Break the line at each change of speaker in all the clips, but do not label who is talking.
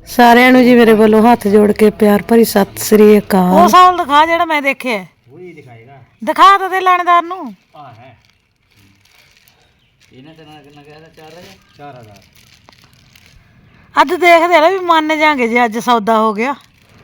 ਸਾਰਿਆਂ ਨੂੰ ਜੀ ਮੇਰੇ ਵੱਲੋਂ ਹੱਥ ਜੋੜ ਕੇ ਪਿਆਰ ਭਰੀ ਸਤਿ ਸ੍ਰੀ ਅਕਾਲ। ਉਹ ਸਾਲ ਦਿਖਾ ਜਿਹੜਾ ਮੈਂ ਦੇਖਿਆ।
वही दिखाएगा।
ਦਿਖਾ ਤਾਂ ਦੇ ਲਾਣੇਦਾਰ ਨੂੰ।
हाँ है। इन्हें तो ना क्या था 4000।
ਅੱਜ ਦੇਖਦੇ ਆ ਵੀ ਮੰਨ ਜਾਾਂਗੇ ਜੇ ਅੱਜ ਸੌਦਾ ਹੋ ਗਿਆ।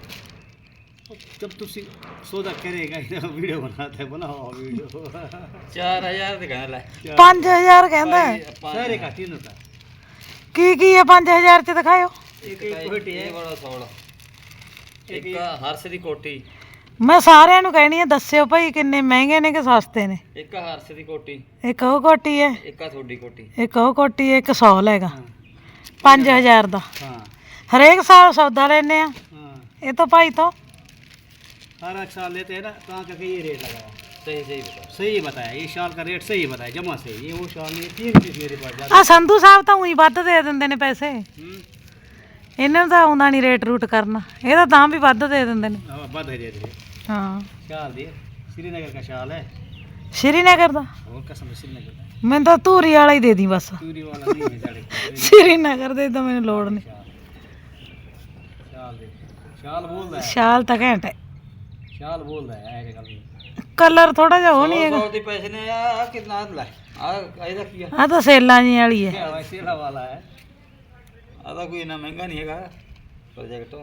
जब तुम सौदा करेगा वीडियो बनाता है बनाओ वीडियो 4000 दिखाने ला
5000 ਕਹਿੰਦਾ
सारे का तीनों का
ਕੀ ਹੈ 5000 ਚ ਦਿਖਾਇਓ।
एक कोटी है बड़ा सौड़ा एक हर्ष दी कोठी
ਮੈਂ ਸਾਰਿਆਂ ਨੂੰ ਕਹਿਣੀ ਆ ਦੱਸਿਓ ਭਾਈ ਕਿੰਨੇ ਮਹਿੰਗੇ ਨੇ ਕਿ ਸਸਤੇ ਨੇ।
ਇੱਕ ਹਰਸ ਦੀ ਕੋਟੀ
ਇੱਕ ਉਹ ਕੋਟੀ ਹੈ
ਇੱਕ ਆ ਤੁਹਾਡੀ ਕੋਟੀ
ਇੱਕ ਉਹ ਕੋਟੀ ਹੈ ਇੱਕ 100 ਲੈਗਾ 5000 ਦਾ।
हाँ
ਹਰੇਕ ਸਾਲ ਸੌਦਾ ਲੈਨੇ ਆ
हाँ
ਇਹ ਤਾਂ ਭਾਈ ਤੋਂ
हर एक साल लेते हैं ना कहाँ करके ये रेट लगाया सही बताया ये शाल का रेट सही बताया जमा से ये वो शाल ये 3 पीस मेरे पास
ਆ ਸੰਧੂ ਸਾਹਿਬ ਤਾਂ ਉਹੀ ਵੱਧ ਦੇ ਦਿੰਦੇ ਨੇ ਪੈਸੇ। ਇਹਨਾਂ ਨੂੰ ਤਾਂ ਆਉਂਦਾ ਨਹੀਂ ਰੇਟ ਰੂਟ ਕਰਨਾ ਇਹ ਤਾਂ ਵੀ ਵੱਧ ਦੇ ਦਿੰਦੇ ਨੇ।
बद है दे
ਹਾਂ
शाल दिए श्रीनगर का शाल है
ਸ਼੍ਰੀਨਗਰ ਦਾ
और कसम से श्रीनगर का
ਮੈਨੂੰ ਤਾਂ ਧੂਰੀ वाला ਹੀ ਦੇ ਦੀ बस।
चूरी वाला नहीं है साढ़े
ਸ਼੍ਰੀਨਗਰ ਦੇ ਤਾਂ ਮੈਨੂੰ ਲੋੜ ਨਹੀਂ।
शाल दे शाल बोल रहा है
ਸ਼ਾਲ ਤਾਂ ਘੈਂਟ ਹੈ
शाल बोल रहा है आएगा कल
ਕਲਰ ਥੋੜਾ ਜਿਹਾ ਉਹ ਨਹੀਂ ਹੈਗਾ।
100 ਦੇ ਪੈਸੇ ਨੇ ਆ ਕਿੰਨਾ ਲਾ ਆ ਇਹਦਾ ਕੀ
ਆ ਤਾਂ ਸੇਲਾਂ ਜੀ ਵਾਲੀ ਹੈ।
ਵੈਸੇਲਾ ਵਾਲਾ ਹੈ ਆਦਾ ਕੋਈ ਇੰਨਾ ਮਹਿੰਗਾ ਨਹੀਂ ਹੈਗਾ ਪ੍ਰੋਜੈਕਟ।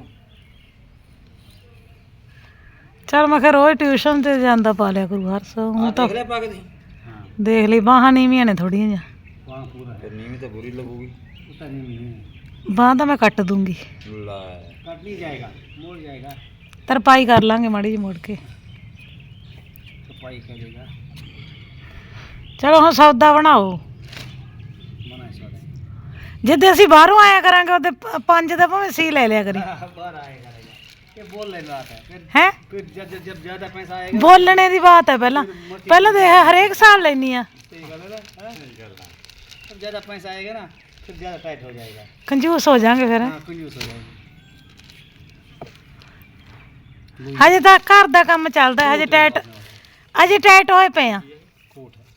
ਚਲ ਮੈਂ ਕਿਹਾ ਰੋਜ਼ ਟਿਊਸ਼ਨ ਤੇ ਜਾਂਦਾ ਪਾ ਲਿਆ ਕਰੂ ਹਰ ਸੋ ਹੁਣ ਤਾਂ
ਦੇਖ ਲੈ ਪਾ ਕੇ ਤੁਸੀਂ ਹਾਂ
ਦੇਖ ਲਈ ਬਾਹਾਂ ਨੀਵੀਆਂ ਨੇ ਥੋੜੀਆਂ ਜਿਹਾ।
ਵਾਹ ਪੂਰਾ ਹੈ ਨੀਵੀਂ ਤਾਂ ਬੁਰੀ ਲੱਗੂਗੀ ਉਤਾ ਨਹੀਂ
ਬਾਹਾਂ ਤਾਂ ਮੈਂ ਕੱਟ ਦੂੰਗੀ।
ਲੈ ਕੱਟ ਨਹੀਂ ਜਾਏਗਾ ਮੋੜ ਜਾਏਗਾ
ਤਰਪਾਈ ਕਰ ਲਾਂਗੇ ਮਾੜੀ ਜਿਹੀ ਮੁੜ ਕੇ।
ਸਫਾਈ ਕਰੇਗਾ
ਚਲੋ ਹੁਣ ਸੌਦਾ ਬਣਾਓ।
ਬਣਾ ਸੌਦਾ
ਜਿੱਦੇ ਅਸੀਂ ਬਾਹਰੋਂ ਆਇਆ ਕਰਾਂਗੇ ਉਹਦੇ 5 ਦਾ ਭਾਵੇਂ ਸੀ ਲੈ ਲਿਆ ਕਰੀ।
ਬਾਹਰ ਆਏਗਾ ये बोल लेना आता है
ਹੈ
फिर जब ज्यादा पैसा आएगा
ਬੋਲਣੇ ਦੀ ਬਾਤ ਹੈ। ਪਹਿਲਾਂ ਦੇਖ ਹਰੇਕ ਸਾਲ ਲੈਣੀ ਆ।
सही गल है ना जब ज्यादा पैसा आएगा ना फिर ज्यादा टाइट हो जाएगा
ਕੰਜੂਸ ਹੋ ਜਾਾਂਗੇ ਫਿਰ।
हाँ कंजूस हो जाएगा
ਹਜੇ ਤਾਂ ਘਰ ਦਾ ਕੰਮ ਚੱਲਦਾ ਹਜੇ ਟਾਈਟ ਹੋਏ ਪਏ ਆ।
कोट है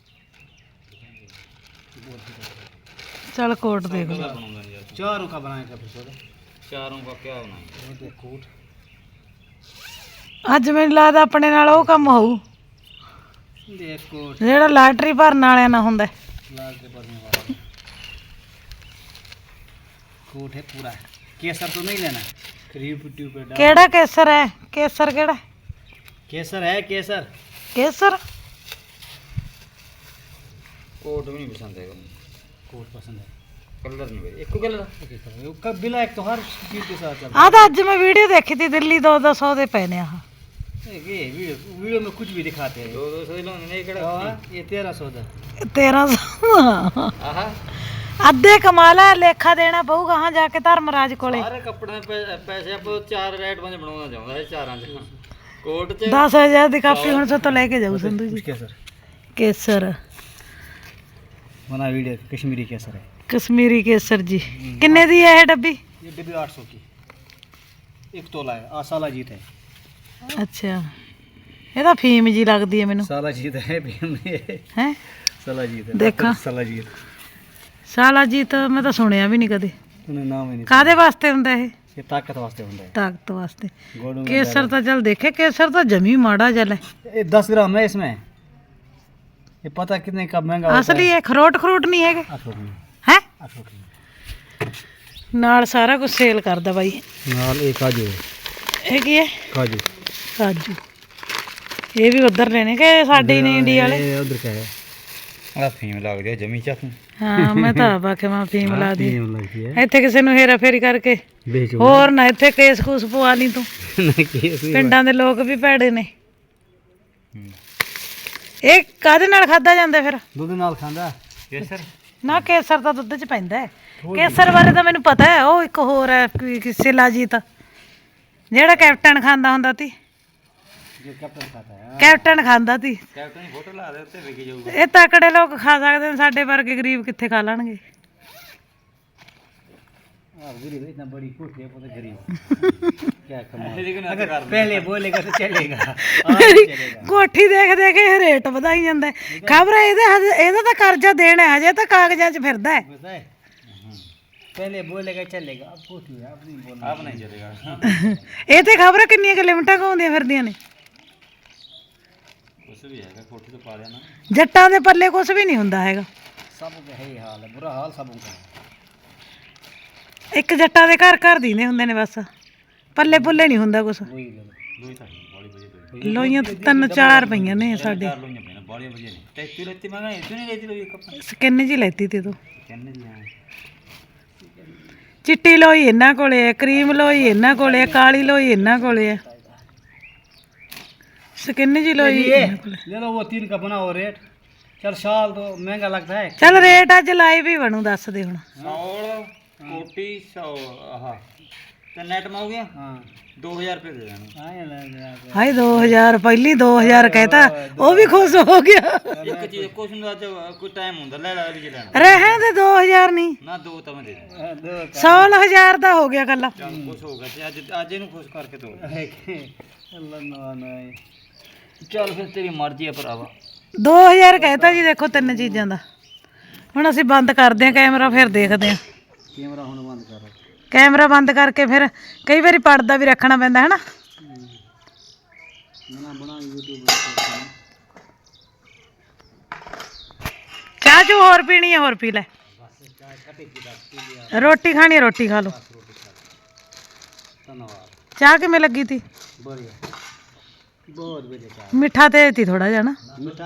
ਚਲ ਕੋਟ ਦੇਖ ਲਓ।
चारों का बनाएगा फिर सौदा चारों का क्या बनाएगा कोट
ਅੱਜ ਮੈਨੂੰ ਲੱਗਦਾ ਆਪਣੇ ਨਾਲ ਉਹ ਕੰਮ ਹੋਊ
देख कोट
ਜਿਹੜਾ ਲਾਟਰੀ ਭਰਨ ਵਾਲਿਆਂ ਨਾਲ ਹੁੰਦਾ।
लाल के भरने वाला कोट है पूरा केसर तो नहीं लेना फिर यूट्यूब पे डाल
ਕਿਹੜਾ ਕੇਸਰ ਹੈ? ਕੇਸਰ ਕਿਹੜਾ?
केसर है केसर
ਕੇਸਰ
कोट भी नहीं पसंद है कोट पसंद है कलर नहीं भाई एक कलर कब ब्लैक तो हर चीज के साथ चलता
ਆ ਤਾਂ ਅੱਜ ਮੈਂ ਵੀਡੀਓ ਦੇਖੀ ती ਦਿੱਲੀ 200 ਦੇ ਪਏ ਨੇ ਆਹ।
है ये वीडियो में कुछ भी दिखाते हैं 200 नहीं कड़ा ये 1300 ਦਾ
1300
ਆਹਾ
ਅੱਧੇ ਕਮਾਲ ਹੈ। ਲੇਖਾ ਦੇਣਾ ਪਊਗਾ ਹਾਂ ਜਾ ਕੇ ਧਰਮਰਾਜ ਕੋਲੇ।
ਸਾਰੇ ਕੱਪੜੇ ਪੈਸੇ ਆਪਾਂ 4 ਰੇਟ ਬੰਦੇ ਬਣਾਉਣਾ ਚਾਹੁੰਦਾ ਹੈ ਚਾਰਾਂ ਚ ਕੋਟ ਚ
10000 ਦੀ ਕਾਪੀ ਹੁਣ ਸੋ ਤੋਂ ਲੈ ਕੇ ਜਾਊ ਸੰਧੂ ਜੀ।
केसर
ਕੇਸਰ
बना वीडियो कश्मीरी केसर है
ਕਸ਼ਮੀਰੀ ਕੇਸਰ ਜੀ। ਕਿੰਨੇ ਦੀ ਹੈ ਇਹ ਡੱਬੀ?
ये डिब्बी 800 की एक तोला है साला जीत है
ਅੱਛਾ ਇਹ ਤਾਂ ਫੀਮ ਜੀ ਲੱਗਦੀ ਹੈ ਮੈਨੂੰ।
साला जीत है
ਹੈ
साला जीत है
देखा।
साला जीत
ਸਾਲਾ ਜੀ ਤਾਂ ਮੈਂ ਤਾਂ ਸੁਣਿਆ ਵੀ ਨਹੀਂ ਕਦੇ।
उन्हें नाम ही नहीं
ਕਾਦੇ ਵਾਸਤੇ ਹੁੰਦਾ ਇਹ?
ये ताकत वास्ते होता है
ਤਾਕਤ ਵਾਸਤੇ।
गोड़ में
ਕੇਸਰ ਤਾਂ ਚੱਲ ਦੇਖੇ ਕੇਸਰ ਤਾਂ ਜਮੀ ਮਾੜਾ ਜਲ ਹੈ।
ये 10 ग्राम है इसमें ये पता कितने का महंगा होता
ਅਸਲੀ ਇਹ ਖਰੋਟ ਨਹੀਂ ਹੈਗੇ
है 800
ਹੈ।
800
ਨਾਲ ਸਾਰਾ ਕੁਝ ਸੇਲ ਕਰਦਾ ਬਾਈ।
नाल एक काजू है
ਇਹ ਕੀ ਹੈ?
काजू
ਕਾਜੂ। ਇਹ ਵੀ ਉਧਰ ਲੈਣੇ ਕਿ ਸਾਡੇ ਨੇ ਇੰਡੀਆ ਵਾਲੇ?
ये उधर का है आ फीम लग दिया जमी चा तू
ਹਾਂ ਮੈਂ ਤਾਂ ਬਾਕੀ ਮੈਂ ਫੀਮ ਲਾ ਦੀ।
फीम लगती है
ਇੱਥੇ ਕਿਸੇ ਨੂੰ ਹੇਰਾ ਫੇਰੀ ਕਰਕੇ
बेचो
ਹੋਰ ਨਾ ਇੱਥੇ ਕੇਸ ਕੂਸ ਪਵਾ ਲਈ ਤੂੰ।
नहीं केस
ਪਿੰਡਾਂ ਦੇ ਲੋਕ ਵੀ ਭੈੜੇ ਨੇ। ਇਹ ਕਾਹਦੇ ਨਾਲ ਖਾਦਾ ਜਾਂਦਾ ਫਿਰ?
दूध नाल खांदा केसर
ਨਾ ਕੇਸਰ ਤਾਂ ਦੁੱਧ 'ਚ ਪੈਂਦਾ ਹੈ। ਕੇਸਰ ਬਾਰੇ ਤਾਂ ਮੈਨੂੰ ਪਤਾ ਹੈ। ਉਹ ਇੱਕ ਹੋਰ ਹੈ ਸ਼ਿਲਾਜੀਤ ਜਿਹੜਾ ਕੈਪਟਨ ਖਾਂਦਾ ਹੁੰਦਾ ਸੀ।
जो कैप्टन खाता है
ਕੈਪਟਨ ਖਾਂਦਾ ਸੀ।
कैप्टन की फोटो ला दे उत्ते विक जाऊगा
ਇਹ ਤਕੜੇ ਲੋਕ ਖਾ ਸਕਦੇ ਨੇ ਸਾਡੇ ਵਰਗੇ ਗਰੀਬ ਕਿੱਥੇ ਖਾ ਲੈਣਗੇ।
गरीब इतना बड़ी कोठी है पता गरीब क्या कमाल अगर पहले बोलेगा तो चलेगा
ਕੋਠੀ ਦੇਖ ਦੇਖ ਕੇ ਰੇਟ ਵਧਾਈ ਜਾਂਦਾ। ਖਬਰ ਇਹਦਾ ਤਾਂ ਕਰਜ਼ਾ ਦੇਣਾ ਹਜੇ ਤਾਂ ਕਾਗਜ਼ਾਂ 'ਚ ਫਿਰਦਾ ਹੈ।
पता है पहले बोलेगा चलेगा, अब पूछिए आप नहीं बोलना, आप नहीं चलेगा।
ਇਹ ਤੇ ਖਬਰ ਕਿੰਨੀਆਂ ਕਿ ਲਿਮਟਾਂ ਘਾਉਂਦੀਆਂ ਫਿਰਦੀਆਂ ਨੇ।
कुछ भी है कोठी तो पा लेना,
ਜੱਟਾਂ ਦੇ ਪੱਲੇ ਕੁਝ ਵੀ ਨਹੀਂ ਹੁੰਦਾ ਹੈਗਾ।
सब का है हाल है, बुरा हाल सबों का है।
ਇੱਕ ਜੱਟਾਂ ਦੇ ਘਰ ਘਰ ਦੀਨੇ ਹੁੰਦੇ ਨੇ ਬਸ, ਪੱਲੇ ਪੁੱਲੇ ਨਹੀਂ ਹੁੰਦਾ ਕੁਝ।
वही ले लो, लोई था बड़ी बजे तो
ਲੋਈਆਂ ਤਾਂ 3-4 ਪਈਆਂ ਨੇ ਸਾਡੇ।
चार लोई पे ना बड़ी बजे नहीं टैक्सी लेती मैं इतनी नहीं लेती लोई कप
ਸਕਿਨ ਜੀ ਲੈਤੀ ਤੇ ਤੂੰ।
कहने जी हां
ਚਿੱਟੀ ਲੋਈ ਇਹਨਾਂ ਕੋਲੇ ਹੈ, ਕਰੀਮ ਲੋਈ ਇਹਨਾਂ ਕੋਲੇ ਹੈ, ਕਾਲੀ ਲੋਈ ਇਹਨਾਂ ਕੋਲੇ ਹੈ, ਸਕਿਨ ਜੀ ਲੋਈ ਇਹਨਾਂ ਕੋਲੇ।
ले लो वो 3 का बनाओ रेट, चल शाल तो महंगा लगता है।
ਚੱਲ ਰੇਟ ਅੱਜ ਲਾਈਵ ਹੀ ਬਣੂ, ਦੱਸ ਦੇ ਹੁਣ।
सौल कोटी 100 हां तो नेट में हो गया हां 2000 रुपए दे देना।
ਹਾਏ 2000 ਪਹਿਲੀ 2000 ਕਹਿਤਾ, ਉਹ ਵੀ ਖੁਸ਼ ਹੋ ਗਿਆ।
एक चीज कुछ ना आज कोई टाइम ਹੁੰਦਾ ਲੈ ਲੈ ਵੀ ਲੈਣਾ
ਰਹਿਣ ਦੇ 2000 ਨਹੀਂ,
ਨਾ ਦੋ ਤਾਂ ਮੈਂ ਦੇ ਦੂੰ
100,000 ਦਾ ਹੋ ਗਿਆ ਕੱਲਾ।
ਚੱਲ ਖੁਸ਼ ਹੋ ਗਿਆ ਤੇ ਅੱਜ ਇਹਨੂੰ ਖੁਸ਼ ਕਰਕੇ ਦੋ ਅੱਲਾ ਨਾ ਨਾ ਚੱਲ ਫਿਰ ਤੇਰੀ ਮਰਜ਼ੀ ਆ ਭਰਾਵਾ।
2000 ਕਹਿਤਾ ਜੀ। ਦੇਖੋ 3 ਚੀਜ਼ਾਂ ਦਾ। ਹੁਣ ਅਸੀਂ ਬੰਦ ਕਰਦੇ ਹਾਂ ਕੈਮਰਾ, ਫਿਰ ਦੇਖਦੇ ਹਾਂ।
ਕੈਮਰਾ ਹੁਣ ਬੰਦ ਕਰੋ,
ਕੈਮਰਾ ਬੰਦ ਕਰਕੇ ਫਿਰ ਕਈ ਵਾਰੀ ਪਰਦਾ ਵੀ ਰੱਖਣਾ ਪੈਂਦਾ ਹੈ ਨਾ।
ਨਾ ਬਣਾ YouTube
ਚਾਹ ਚੂ ਹੋਰ ਪੀਣੀ ਹੈ, ਹੋਰ ਪੀ ਲੈ। ਰੋਟੀ ਖਾਣੀ ਹੈ, ਰੋਟੀ ਖਾ ਲਓ।
ਧੰਨਵਾਦ।
ਚਾਹ ਕਿਵੇਂ ਲੱਗੀ ਤੀ?
बढ़िया बहुत बढ़िया चाय
ਮਿੱਠਾ ਤੇ ਤੀ ਥੋੜਾ ਜਿਹਾ ਨਾ।
मिठा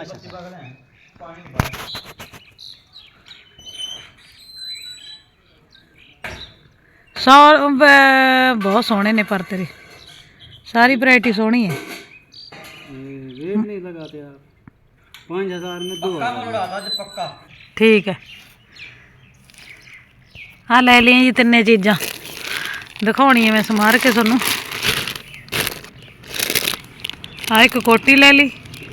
ਬਹੁਤ ਸੋਹਣੇ ਨੇ ਪਰ ਤੇਰੇ, ਸਾਰੀ ਵੈਰਾਈਟੀ ਸੋਹਣੀ ਹੈ।
रेट नहीं लगाते आप 5000 में 2000 पक्का।
ਠੀਕ ਹੈ, ਆ ਲੈ ਲਈਆਂ ਜੀ 3 ਚੀਜ਼ਾਂ, ਦਿਖਾਉਣੀ ਹੈ ਮੈਂ ਸਮਾਰ ਕੇ ਤੁਹਾਨੂੰ। ਆ ਇੱਕ ਕੋਟੀ ਲੈ ਲਈ,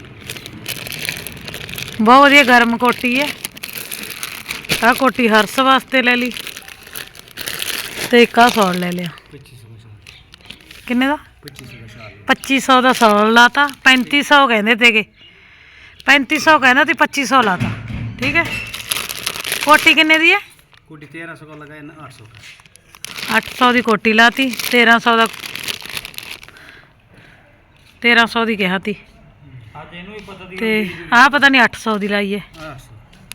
ਬਹੁਤ ਵਧੀਆ ਗਰਮ ਕੋਟੀ ਹੈ। ਆ ਕੋਟੀ ਹਰਸ ਵਾਸਤੇ ਲੈ ਲਈ, ਤੇ ਇੱਕ ਆ ਸੌਲ ਲੈ ਲਿਆ।
2500
ਕਿੰਨੇ ਦਾ?
2500
2500 ਦਾ ਸੌਲ ਲਾਤਾ। 3500 ਕਹਿੰਦੇ ਤੇਗੇ, 3500 ਕਹਿੰਦਾ ਤੇ 2500 ਲਾਤਾ। ਠੀਕ ਹੈ। ਕੋਟੀ ਕਿੰਨੇ ਦੀ ਹੈ?
कोटी 1300 का लगाया ना 800 का
800 ਦੀ ਕੋਟੀ ਲਾਤੀ, 1300 ਦਾ 1300 ਦੀ ਕਿਹਾ ਤੀ,
आज ਇਹਨੂੰ ਹੀ ਪਤਾ ਦੀ
ਤੇ ਆਹ ਪਤਾ ਨਹੀਂ 800 ਦੀ ਲਾਈ ਹੈ।
800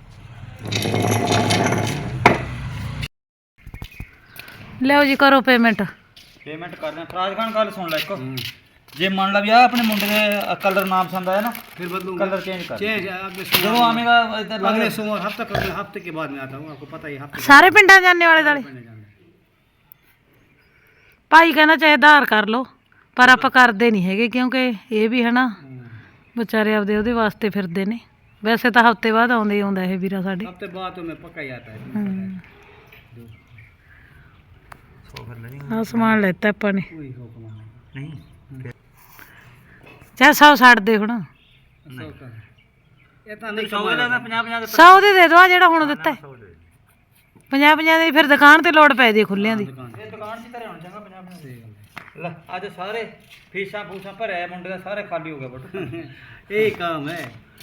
ਲਿਓ ਜੀ ਕਰੋ ਪੇਮੈਂਟ।
ਪੇਮੈਂਟ ਕਰਦੇ ਫਰਾਜ ਖਾਨ ਗੱਲ ਸੁਣ ਲੈ ਇੱਕ, ਜੇ ਮੰਨ ਲਾ ਵੀ ਆ ਆਪਣੇ ਮੁੰਡੇ ਦੇ ਕਲਰ ਨਾਮ ਪਸੰਦ ਆਇਆ ਨਾ ਫਿਰ ਬਦਲੂੰਗਾ, ਕਲਰ ਚੇਂਜ ਕਰ ਜਦੋਂ ਆਵੇਗਾ ਇਧਰ ਅਗਲੇ सोमवार हफ्ते के बाद में आता हूँ, आपको पता ही हफ्ते
ਸਾਰੇ ਪਿੰਡਾਂ ਜਾਣੇ ਵਾਲੇ ਦਾਲੇ ਭਾਈ ਕਹਿੰਦਾ ਚਾਹੇ ਆਧਾਰ ਕਰ ਲਓ, ਪਰ ਆਪਾਂ ਕਰਦੇ ਨਹੀਂ ਹੈਗੇ ਕਿਉਂਕਿ ਇਹ ਵੀ ਹੈ ਨਾ ਵਿਚਾਰੇ ਆਪਦੇ ਉਹਦੇ ਵਾਸਤੇ ਫਿਰਦੇ ਨੇ। ਵੈਸੇ ਤਾਂ ਹਫਤੇ ਬਾਅਦ ਆਉਂਦੇ ਹੀ ਆਉਂਦਾ ਇਹ ਵੀਰਾ ਸਾਡੇ।
हफ्ते बाद तो मैं पक्का ही आता है।
ਆਹ ਸਮਾਨ ਲੈਤਾ ਆਪਾਂ ਨੇ।
कोई हुक्म नहीं
ਚਾਹੇ 100 ਛੱਡ ਦੇ ਹੁਣ,
इतना नहीं 100 ਦਾ 50
100 ਦੇ ਦੇ ਦੋ ਆ ਜਿਹੜਾ ਹੁਣ ਦਿੱਤਾ 50 ਦੀ। ਫਿਰ ਦੁਕਾਨ ਤੇ ਲੋੜ ਪੈ ਜੇ ਖੁੱਲਿਆਂ ਦੀ।
ਦੁਕਾਨ 'ਚ ਧਰੇ ਹੋਣ ਚੰਗਾ 50 ਲੈ ਅੱਜ ਸਾਰੇ ਫੀਸਾਂ ਫੂਸਾਂ ਭਰਿਆ ਮੁੰਡੇ ਦਾ ਸਾਰੇ ਖਾਲੀ ਹੋ ਗਿਆ ਬਟ ਇਹ ਕੰਮ ਹੈ।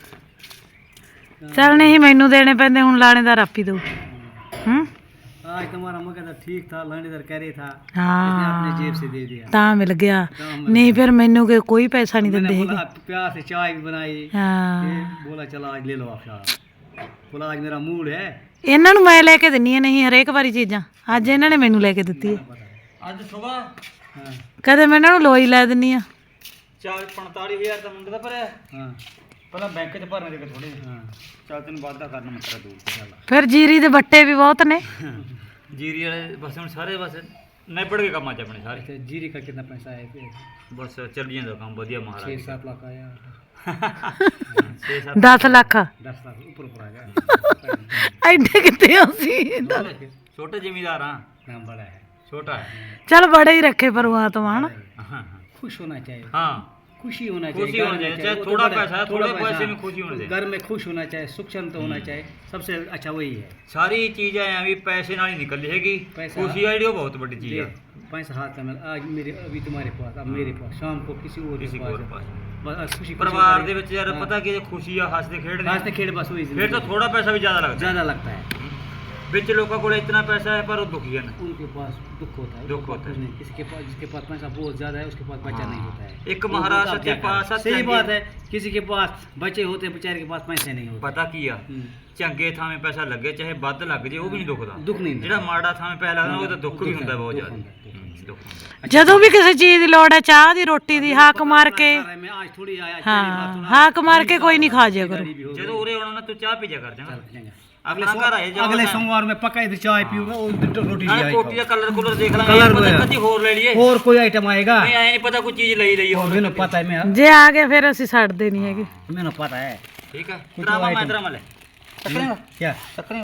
ਚੱਲ ਨਹੀਂ ਮੈਨੂੰ ਦੇਣੇ ਪੈਂਦੇ, ਹੁਣ ਲਾਣੇਦਾਰ ਆਪੀ ਦਊ।
आज तुम्हारा मकदर ठीक था, लानेदार कह रही था,
हाँ
अपने जेब से दे दिया।
ਤਾਂ ਮਿਲ ਗਿਆ, ਨਹੀਂ ਫਿਰ ਮੈਨੂੰ ਕੋਈ ਪੈਸਾ ਨਹੀਂ ਦਿੰਦੇ ਹੈਗੇ।
प्यार से चाय भी बनाई,
ਹਾਂ
बोला चलो आज ले लो आप चाय, बोला आज मेरा मूड है।
ਇਹਨਾਂ ਨੂੰ ਮੈਂ ਲੈ ਕੇ ਦਿੰਨੀ ਆ, ਨਹੀਂ ਹਰੇਕ ਵਾਰੀ ਚੀਜ਼ਾਂ। ਅੱਜ ਇਹਨਾਂ ਨੇ ਮੈਨੂੰ ਲੈ ਕੇ ਦਿੱਤੀ ਹੈ।
ਅੱਜ ਸਵੇਰ
ਕਦੇ ਮੈਂ ਇਹਨਾਂ ਨੂੰ ਲੋਈ ਲੈ ਦਿੰਨੀ ਆ।
4-45,000 ਦਾ ਮੁੰਡੇ ਦਾ ਭਰਿਆ। ਹਾਂ ਪਹਿਲਾਂ ਬੈਂਕ 'ਚ ਭਰਨੇ ਦੇ ਥੋੜੇ। ਹਾਂ ਚੱਲ ਤੈਨੂੰ ਵਾਅਦਾ ਕਰਨਾ ਮੈਂ ਤੇਰਾ ਦੂਰ ਚੱਲ।
ਫਿਰ ਜੀਰੀ ਦੇ ਬੱਟੇ ਵੀ ਬਹੁਤ ਨੇ।
ਜੀਰੀ ਵਾਲੇ ਬਸ ਹੁਣ ਸਾਰੇ ਬਸ ਨਿਬੜ ਕੇ ਕੰਮ ਅੱਜ ਆਪਣੇ ਸਾਰੇ। ਤੇ ਜੀਰੀ ਦਾ ਕਿੰਨਾ ਪੈਸਾ ਆਇਆ ਫਿਰ? ਬਸ ਚੱਲ ਜਾਂਦਾ ਕੰਮ ਵਧੀਆ ਮਹਾਰਾਜ। 6-7 ਲੱਖ ਆਇਆ।
10 ਲੱਖ
10 ਲੱਖ ਉੱਪਰ ਆ ਗਿਆ।
ਐਡੇ ਕਿੱਥੇ ਅਸੀਂ?
ਛੋਟੇ ਜ਼ਿਮੀਦਾਰ ਹਾਂ ਨਾ, ਬੜਾ ਹੈ छोटा है।
चल बड़े ही रखे परमात्मा है ना।
खुश होना चाहिए। हाँ खुशी होना चाहिए, चाहे
थोड़ा पैसा, थोड़े पैसे में खुशी होना चाहिए।
घर में खुश होना चाहिए, सुख शांति होना चाहिए, सबसे अच्छा वही है।
सारी चीजें अभी पैसे नाल ही निकल जाएगी, खुशी है जो बहुत बड़ी चीज है।
पैसा हाथ में आज मेरे, अभी तुम्हारे पास, अब मेरे पास, शाम को किसी और के पास, बस खुशी
परिवार ਦੇ ਵਿੱਚ ਯਾਰ ਪਤਾ ਕਿ ਖੁਸ਼ੀ ਆ, ਹੱਸਦੇ ਖੇਡਦੇ
हंसते खेल बस वही।
फिर तो थोड़ा पैसा भी ज्यादा लगता है।
ज़्यादा लगता है।
ਵਿੱਚ ਲੋਕਾਂ ਕੋਲ इतना पैसा है पर वो दुखी है ना।
उनके पास दुख होता है,
दुख होता है।
नहीं, किसी के पास, जिसके पास पैसा बहुत ज्यादा है उसके पास बच्चा नहीं होता है।
एक महाराज
वो
सच्चे
क्या
पास
करे? सही बात है, किसी के पास बच्चे होते हैं, बेचारे के पास पैसे नहीं होते।
पता की आ ਚੰਗੇ ਥਾਵੇਂ ਪੈਸਾ ਲੱਗੇ ਚਾਹੇ ਵੱਧ ਲੱਗ ਜੇ ਉਹ ਵੀ ਨਹੀਂ ਦੁਖਦਾ।
दुख नहीं
ਜਿਹੜਾ ਮਾੜਾ ਥਾਵੇਂ ਪੈਸਾ ਲੱਗਦਾ ਉਹ ਤਾਂ ਦੁੱਖ ਵੀ ਹੁੰਦਾ ਬਹੁਤ ਜ਼ਿਆਦਾ। ਦੁੱਖ ਹੁੰਦਾ।
ਜਦੋਂ ਵੀ ਕਿਸੇ ਚੀਜ਼ ਦੀ ਲੋੜ ਹੈ, ਚਾਹ ਦੀ, ਰੋਟੀ ਦੀ, ਹਾਕ ਮਾਰ ਕੇ,
मैं आज थोड़ी आया,
ਹਾਂ ਹਾਕ ਮਾਰ ਕੇ ਕੋਈ ਨਹੀਂ ਖਾ ਜਿਆ ਕਰੋ।
ਜਦੋਂ ਉਰੇ ਆਉਣਾ ਨਾ ਤੂੰ ਚਾਹ ਪੀ ਜਾ ਕਰ ਜਾਣਾ।
अगले
ਆਪਣਾ ਘਰ ਆਏ ਜਾ
अगले सोमवार में पक्का इधर चाय पीऊंगा और रोटी
ਨਾਲੇ
ले
ਕੋਟੀ ਦਾ
आएगा।
ਕਲਰ ਕੁਲਰ ਦੇਖ ਲਾਂਗੇ।
ਕਲਰ
ਪਤਾ
ਹੋਇਆ।
ਕਦੀ ਹੋਰ ਲੈ ਲਈਏ।
और कोई आइटम आएगा?
ਨਹੀਂ ਐ ਨਹੀਂ ਪਤਾ ਕੋਈ ਚੀਜ਼ ਲਈ ਲਈ ਹੋਰ।
मैंने पता है, मैं
ਜੇ ਆ ਗਏ ਫਿਰ ਅਸੀਂ ਛੱਡਦੇ ਨਹੀਂ ਹੈਗੇ।
मैंने पता है।
ਠੀਕ ਹੈ। ਡਰਾਮਾ ਮੈਂ ਡਰਾਮਾ ਲੈ।
क्या?